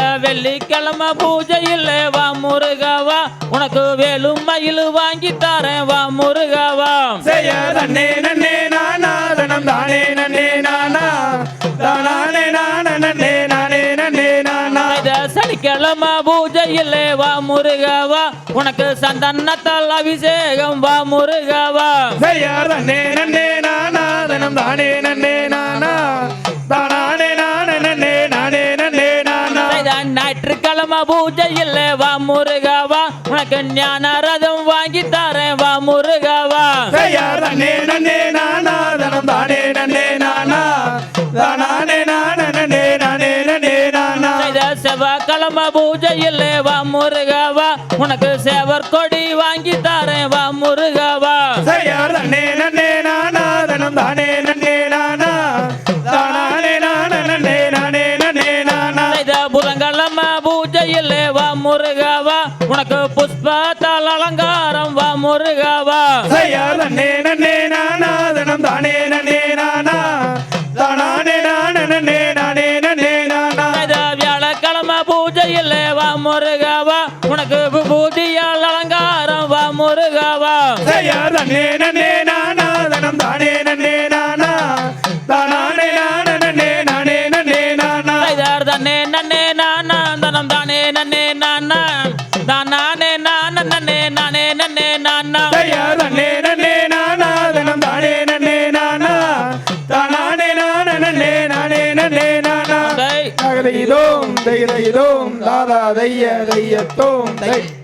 வெள்ளிக்கிழமை பூஜையில் வா முருகவா உனக்கு வேலும் மயில் வாங்கி தரேன் வா முருகவா செய்ய நன்னே நன்னே நானா தனம் தானே நன்னே நானா தானே நானே நன்னே நானே நன்னே நானா சனிக்கிழமை பூஜையில் வா முருகவா உனக்கு சந்தனத்தால் அபிஷேகம் வா முருகவா செய்ய நன்னே நன்னே நானா தனம் தானே நன்னே நானா தானே நானே நன்னே நானே நன்னே நானா ஞாயிற்றுக்கிழமை பூஜையில் வா முருகவா உனக்கு ஞான ரதம் வாங்கி தரேன் வா முருகவா செய்ய நன்னே நன்னே நானா தனம் தானே நன்னே நானா தானே நானே நன்னே நானே நன்னே நானா செவ்வாய்க்கிழமை பூஜையில் வா முருகவா உனக்கு சேவர் கொடி வாங்கி தரேன் வா முருகவா செய்ய நன்னே நன்னே நானா தனம் தானே நன்னே நானா தானே நானே நன்னே நானே நன்னே நானா புதன்கிழமை பூஜையில் வா முருகவா உனக்கு புஷ்பத்தால் அலங்காரம் வா முருகவா செய்ய நன்னே நன்னே நானா தனம் தானே நன்னே நானா தானே நானே நன்னே நானே நன்னே நானா வியாழக்கிழமை பூஜையில் வா முருகவா உனக்கு விபூதியால் அலங்காரம் வா முருகவா செய்ய நன்னே நன்னே நானா தனம் தானே நன்னே நானா தானே நானே நன்னே நானே நன்னே நானா தன்னே நன்னே நானா தனம் தானே நன்னே நானா தானே நானே நன்னே நானே நன்னே நானா செய்ய நன்னே நன்னே நானா தனம் தானே நன்னே நானா தானே நானே நன்னே நானே நன்னே நானா தைதோம் தைதோம் தாதா தைய தையத்தோம் தை